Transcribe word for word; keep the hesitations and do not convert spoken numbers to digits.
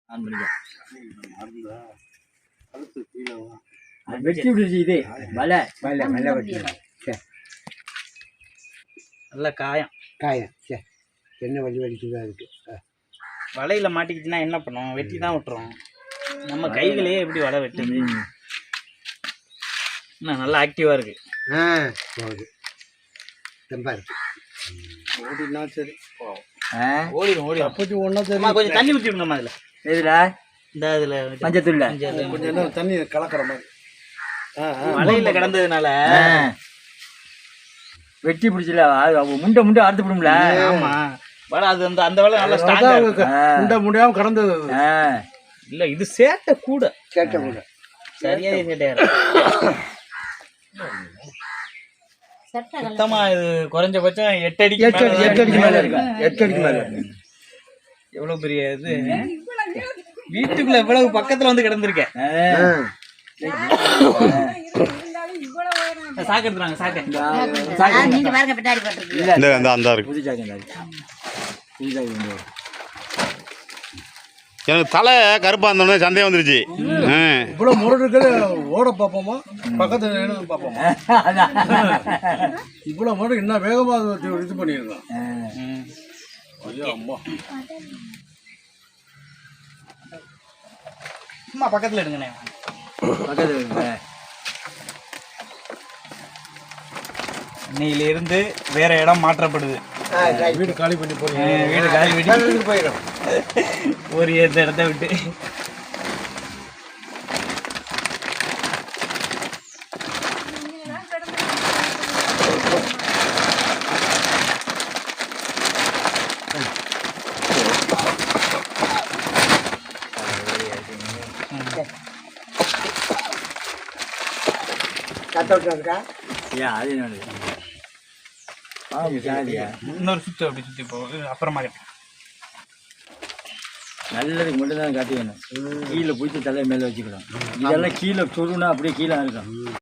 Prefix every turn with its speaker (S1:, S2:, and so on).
S1: On பண்ணிக்கோ. வெட்டி விடுச்சு இது வலை வலை வலை வெட்டி சரி
S2: நல்ல காயம்
S3: காயம் சரி என்ன வலி வலிக்குதா இருக்குது.
S2: வலையில் மாட்டிக்கிச்சுன்னா என்ன பண்ணும்? வெட்டி தான் விட்டுரும். நம்ம கைகளையே எப்படி வலை வெட்டுது? இன்னும் நல்லா ஆக்டிவாக இருக்குது.
S3: ஆ போகுது ரொம்ப இருக்கு ஓடினா சரி
S2: ஓடிடும் ஓடிடும்.
S3: அப்போச்சு ஒன்றா சரி
S2: கொஞ்சம் தண்ணி ஊற்றி விடுங்கம்மா அதில்.
S1: எதுல
S2: இந்த இதில்
S1: மஞ்சத்தூள்ல
S3: கொஞ்சம் என்ன தண்ணி கலக்கிற மாதிரி. ஆ
S2: வலையில் கிடந்ததுனால
S1: வெட்டி பிடிச்சல முண்டை முண்டை அறுத்து விடும்ல.
S2: ஆமாம் வலை அது அந்த அந்த வலை நல்லா ஸ்ட்ராங்காக
S3: முண்டை முடியாமல் கடந்தது.
S2: இல்லை இது சேட்டை கூட
S3: சேட்டை கூட
S2: சரியாக சேட்டையாரு. சுத்தமா இது குறைஞ்சபட்சம் எட்டு அடிக்கு
S3: எட்டு அடி எட்டு அடிக்கு மேலே இருக்கு. எட்டு அடிக்கு மேலே
S2: எவ்வளோ பெரிய இது வீட்டுக்குள்ள எவ்வளவு பக்கத்துல வந்து கிடந்திருக்கேன். சாக்கு எடுத்துறாங்க சாக்கு
S4: எனக்கு தலை கருப்பா இருந்தோடனே சந்தேகம் வந்துருச்சு.
S3: இவ்வளோ முரடு இருக்குது ஓட பார்ப்போமா பக்கத்தில் பார்ப்போமா இவ்வளோ முரடு என்ன வேகமாக இது பண்ணியிருக்கான். ஐயோ அம்மா
S2: சும்மா பக்கத்தில் எடுங்கண்ணே
S1: பக்கத்துல
S2: இன்னையிலிருந்து வேற இடம் மாற்றப்படுது.
S3: வீடு காலி பண்ணி போய்
S2: வீடு காலி பண்ணி
S3: போயிடும்
S2: ஒரு ஏற்ற இடத்த விட்டு.
S1: அது
S2: இன்னொரு சுற்று அப்படி சுற்றி போகுது. அப்புறமா கேட்டேன்
S1: நல்லதுக்கு மட்டும் தான் காட்டி வேணும். கீழே பிடிச்சி தலையை மேலே வச்சுக்கலாம். இதெல்லாம் கீழே சொருனா அப்படியே கீழே இருக்கும்.